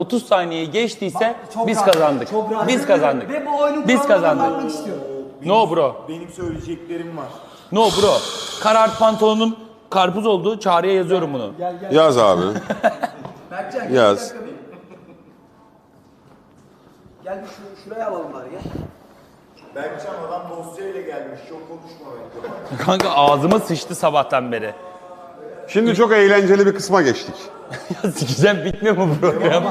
30 saniyeyi geçtiyse Çok biz rahat, kazandık. çok rahat. Biz kazandık. Ve bu oyunun Biz kurallarına kazandık. bakmak istiyorum. No bro. Benim söyleyeceklerim var. No bro. Karart pantolonum karpuz oldu. Çağrı'ya yazıyorum bunu. Gel. Yaz abi. Berkcan gel. Yaz. bir dakika bir. Gel bir şuraya alalım bari gel. Berkcan adam dosyayla gelmiş. Çok konuşma bence. Kanka ağzıma sıçtı sabahtan beri. Şimdi çok eğlenceli bir kısma geçtik. Ya sikeceğim, bitmiyor mu program?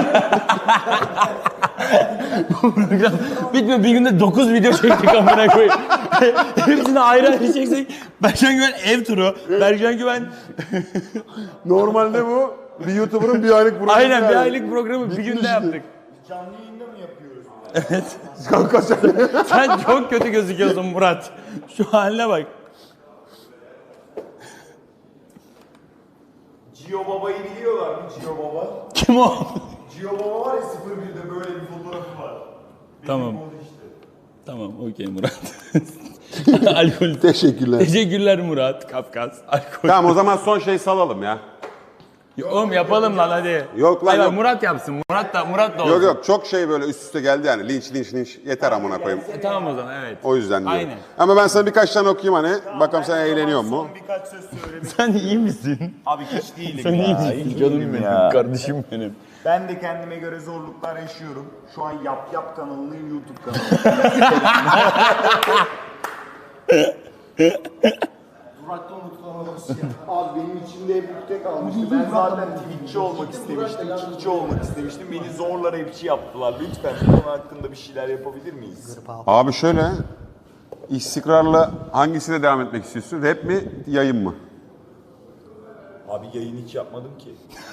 Bu program bitmiyor. Bir günde 9 video çektik amına koyayım. Hepsini ayrı ayrı çeksek. Berkcan Güven ev turu. Berkcan Güven Normalde bu bir YouTuber'ın bir aylık programı. aynen bir yani. aylık programı bir günde yaptık. Canlı yayında mı yapıyoruz? Kanka sen... Sen çok kötü gözüküyorsun Murat. Şu haline bak. Cio Baba'yı biliyorlar mı? Cio Baba. Kim o? Cio Baba var ya 01'de böyle bir fotoğrafı var. Benim Tamam. o işte. Tamam, okey Murat. Alkol. Teşekkürler. Teşekkürler Murat. Kafkas. Alkol. Tamam o zaman son şey salalım ya. Oğlum yapalım lan hadi. Yok lan, Hayır, yok. Murat yapsın. Murat da olsun. Yok çok şey böyle üst üste geldi yani. Linç yeter amına koyayım. Tamam o zaman, evet. O yüzden diyorum. Aynen. Ama ben sana birkaç tane okuyayım hani. Bakalım sen eğleniyor mu? Son birkaç söz söylemek. Sen iyi misin? Abi hiç değilim Sen ya. iyi hiç misin? Canım değilim benim, ya. kardeşim benim. Ben de kendime göre zorluklar yaşıyorum. Şu an Yap kanalının YouTube kanalı. Murat'ta unutulamaz ya. Abi benim içimde hep ukde kalmıştı. Ben zaten Twitch'çi olmak istemiştim, Kick'çi olmak istemiştim. Beni zorla rapçi yaptılar. Lütfen bu konu hakkında bir şeyler yapabilir miyiz? Abi şöyle. İstikrarla hangisiyle devam etmek istiyorsun? Rap mi, yayın mı? Abi yayın hiç yapmadım ki.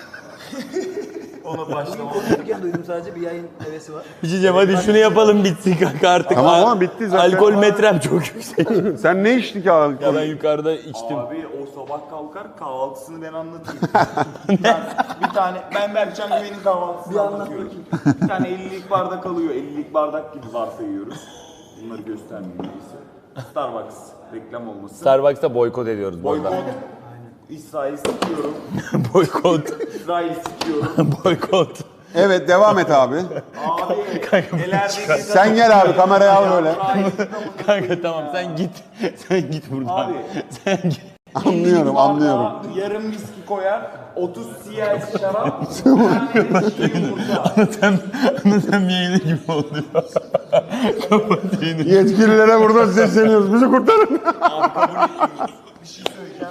Ona başlamadım. Konuşurken duydum sadece bir yayın hevesi var. Bir şey diyeceğim, hadi şunu yapalım bitsin kanka artık. Tamam ama bitti zaten. Alkol metrem çok yüksek. Sen ne içtin ki abi? Ya ben yukarıda içtim. Abi o sabah kalkar kahvaltısını ben anlatayım. bir tane ben Berkcan Güven'in kahvaltısını anlatıyorum. Bir tane 50'lik bardak alıyor. 50'lik bardak gibi varsayıyoruz. Bunları göstermeyeyim neyse. Starbucks reklam olmasın. Starbucks'ta boykot ediyoruz bu Boykot. arada. İsrail sikiyorum. Boykot. İsrail sikiyorum. Boykot. Evet devam et abi. Abi nelerde Sen gel abi kamerayı al böyle. Kanka tamam, sen git. Sen git buradan. Abi. Sen git. Anlıyorum. Yarım viski koyar, 30 CL şarap, bir tane de çiğ yumurta. Sen bir yayını gibi oluyor. Kapat yayını. Yetkililere buradan sesleniyoruz. Bizi kurtarın. Abi kabul etmiyoruz. Bir şey söyleyeceğim.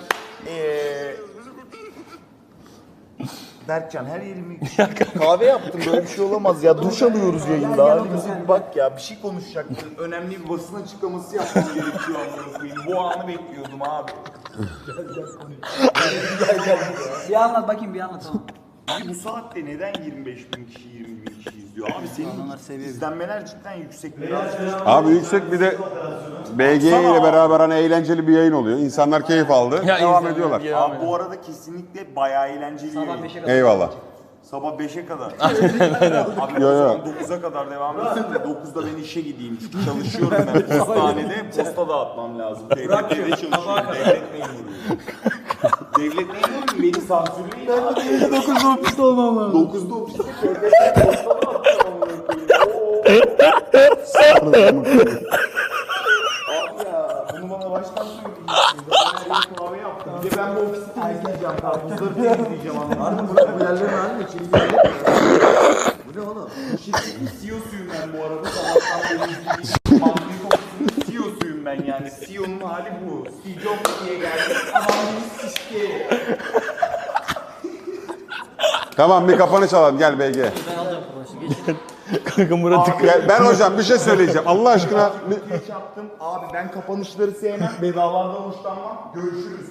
Berkcan her yerimi kahve yaptım, böyle bir şey olamaz ya. Duş alıyoruz yayında, halimize bir bak ya. Bir şey konuşacaktım. Önemli bir basın açıklaması yapmam gerekiyor amına koyayım. Bu anı bekliyordum abi. Bir anlat bakayım bir anlat tamam. Abi bu saatte neden 25.000 kişi, 20.000 kişi izliyor? Abi İnsanlar senin seviyor. izlenmeler cidden yüksek. Biraz Abi yüksek bir de BG ile beraber hani eğlenceli bir yayın oluyor. İnsanlar keyif aldı. Ya devam insanlar ediyorlar. ya. Abi bu arada kesinlikle bayağı eğlenceli. Sabah yayın. 5'e kadar. Eyvallah. Sabah 5'e kadar. Abi o zaman 9'a kadar devam etsin de 9'da ben işe gideyim. Çünkü çalışıyorum ben postanede. Posta dağıtmam lazım. Devlette çalışıyorum. Devlet memuruyum. Devlet memuruyum. Beni sansürleyin. Ben de 9'da ofiste olmam lazım. 9'da ofiste körfezden posta dağıtacağım. Abi ya bunu bana baştan söyleyin. Ben her yeri kahve yaptım. Bir de ben bu ofisi temizleyeceğim. Karpuzları temizleyeceğim. Anladın mı? Burada bu yerlerin halinde içeri bu ne oğlum? Bu şirketin CEO'suyum ben bu arada. Sabahtan beri izlediğim Mandri Kokusu'nun CEO'suyum ben yani. CEO'nun hali bu. Steve Jobs diye geldi. Mandri Sişke. Tamam bir kapanış alalım. Gel BG. Ben alacağım konuşu geçin. Kanka Murat'ı Gel, ben hocam bir şey söyleyeceğim. Allah aşkına. Geç yaptım. Abi ben kapanışları sevmem. Bedalardan hoşlanmam. Görüşürüz.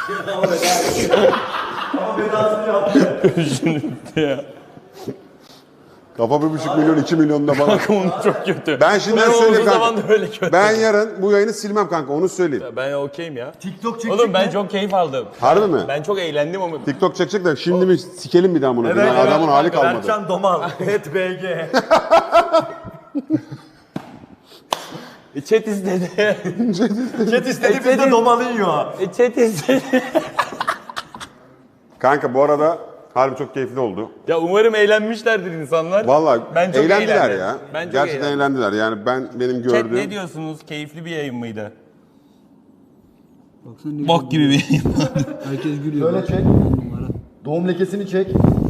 Ama bedasını yaptım. ya. Kafa 1,5 milyon 2 milyonda bana. Kanka onu çok kötü. Ben şimdiden Ben söyleyeyim olduğu zaman kanka. da öyle kötü. Ben yarın bu yayını silmem kanka onu söyleyeyim. Ben okeyim ya. TikTok çekecek Oğlum ben çok keyif aldım. Harbi mi? Ben çok eğlendim ama. TikTok çekecek de şimdi mi sikelim bir daha bunu? Adamın hali kalmadı. Berkcan Domal, et BG. Chat istedi. Chat istedi biz de domalı yiyor. Chat istedi. Kanka bu arada Harbi çok keyifli oldu. Ya umarım eğlenmişlerdir insanlar. Vallahi Ben çok eğlendiler eğlendim. ya. Ben çok Gerçekten eğlendim. eğlendiler. Yani benim Chat gördüğüm... ne diyorsunuz? Keyifli bir yayın mıydı? Baksana ne Bok gibi bir yayın. Herkes gülüyor. Böyle çek. Doğum lekesini çek.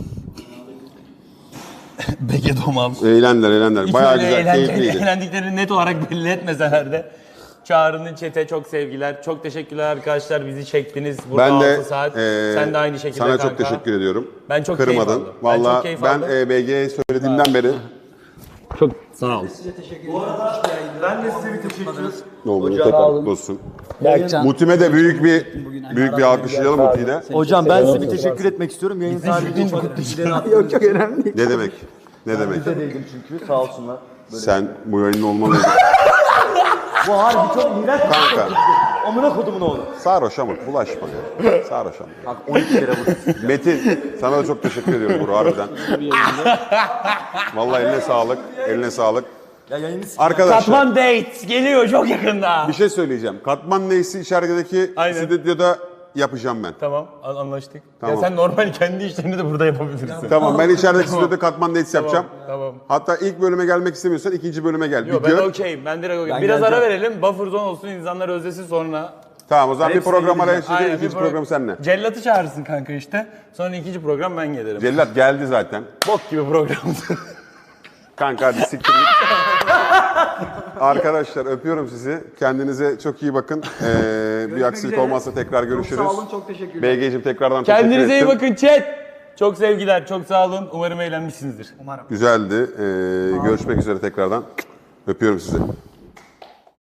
Bege domal. Eğlendiler. Hiç Bayağı öyle güzel, keyifliydi. eğlendiklerini net olarak belli etmeseler de. Çağrı'nın chat'e çok sevgiler. Çok teşekkürler arkadaşlar. Bizi çektiniz burada Ben de 6 saat. Sen de aynı şekilde sana kanka. çok teşekkür ediyorum. Ben çok keyif Kırmadın. aldım. Ben çok Valla keyif ben aldım. BG'ye söylediğimden beri Çok sağ ol. Ben de size bir teşekkür ederim. ne olduğunu tekrar olsun. Berkcan. Muti'me de büyük bir alkışlayalım Muti'yi de. Hocam ben size bir teşekkür etmek istiyorum. Yayın sahibi için çok teşekkür ederim. Yok çok önemli değil. Ne demek? Ne demek? Bize değdim çünkü sağ olsunlar. Sen bu yayının olmalıydın. Bu harbi çok iğrenç. Kanka. Amına kodumun oğlu. Sarhoş ama bulaşma ya. Sarhoş ama. Bak 12 kere vurdum. Metin sana da çok teşekkür ediyorum Buru harbiden. Vallahi eline sağlık. Eline sağlık. Ya yayını Arkadaşlar Katman Dates geliyor çok yakında. bir şey söyleyeceğim. Katman neysi içerideki Aynen. stüdyoda yapacağım ben. Tamam anlaştık. Tamam. Ya sen normal kendi işlerini de burada yapabilirsin. Tamam ben içerideki stüdyoda katman dates yapacağım. Tamam. Hatta ilk bölüme gelmek istemiyorsan ikinci bölüme gel. Yok Bir ben gör. okeyim. Ben direkt okeyim. Ben Biraz ara geleceğim. verelim. Buffer zone olsun insanlar özlesin sonra. Tamam o zaman bir Hepsine program araya gideceğim. çekeceğim. bir İkinci program seninle. Cellat'ı çağırırsın kanka işte. Sonra ikinci program ben gelirim. Cellat geldi zaten. Bok gibi programdı. Kanka hadi siktir git. Arkadaşlar öpüyorum sizi. Kendinize çok iyi bakın. Bir aksilik üzere. olmazsa tekrar görüşürüz. Sağ olun çok teşekkürler. BG'cim tekrardan teşekkür Kendinize iyi ettim. bakın chat. Çok sevgiler, çok sağ olun. Umarım eğlenmişsinizdir. Güzeldi. Görüşmek üzere tekrardan. Öpüyorum sizi.